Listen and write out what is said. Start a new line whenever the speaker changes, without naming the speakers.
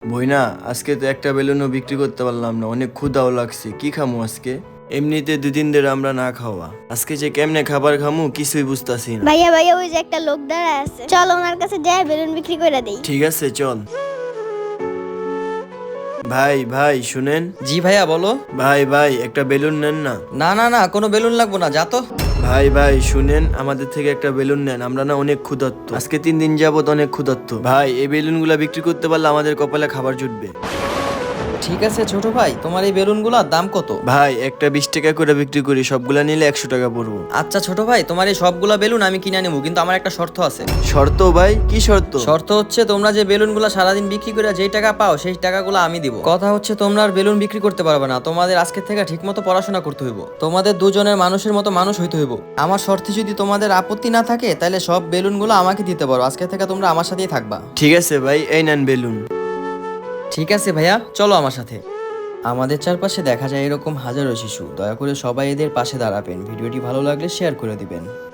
বইনা, আজকে তো একটা বেলুনও বিক্রি করতে পারলাম না, অনেক ক্ষুধাও লাগছে। কি খামু আজকে? এমনিতে 2 দিন ধরে আমরা না খাওয়া, আজকে যে কেমনে খাবার খামু কিছুই বুঝতাছি না।
ভাইয়া ভাইয়া ওই যে একটা লোক দাঁড়ায় আছে, চল ওনার কাছে যাই বেলুন বিক্রি করে দেই।
ঠিক আছে, চল। ভাই ভাই শুনেন।
জি ভাইয়া বলো।
ভাই ভাই একটা বেলুন নেন না।
না না না, কোনো বেলুন লাগবো না, যা তো।
ভাই ভাই শুনেন, আমাদের থেকে একটা বেলুন নেন, আমরা না অনেক ক্ষুধার্ত, আজকে 3 দিন যাবত অনেক ক্ষুধার্ত। ভাই এই বেলুনগুলা বিক্রি করতে পারলে আমাদের কপালে খাবার জুটবে।
ঠিক আছে ছোট ভাই, তোমার এই বেলুনগুলোর দাম কত?
ভাই একটা 20 টাকা করে বিক্রি করি, সবগুলা নিলে 100 টাকা পড়বো।
আচ্ছা ছোট ভাই, তোমার এই সবগুলা বেলুন আমি কিনে নেবো, কিন্তু আমার একটা শর্ত আছে।
শর্ত? ভাই কি শর্ত?
শর্ত হচ্ছে তোমরা যে বেলুনগুলো সারাদিন বিক্রি করে যেই টাকা পাও সেই টাকাগুলো আমি দিব। কথা হচ্ছে তোমরা আর বেলুন বিক্রি করতে পারবে না, তোমাদের আজকে থেকে ঠিকমতো পড়াশোনা করতে হইব, তোমাদের দুজনের মানুষের মতো মানুষ হইতে হইব। আমার শর্তে যদি তোমাদের আপত্তি না থাকে তাহলে সব বেলুনগুলো আমাকে দিতে পারো, আজকে থেকে তোমরা আমার সাথেই থাকবা।
ঠিক আছে ভাই, এই নেন বেলুন।
ঠিক আছে ভাইয়া, চলো আমার সাথে। আমাদের চারপাশে দেখা যায় এরকম হাজারো শিশু, দয়া করে সবাই এদের পাশে দাঁড়াবেন। ভিডিওটি ভালো লাগলে শেয়ার করে দিবেন।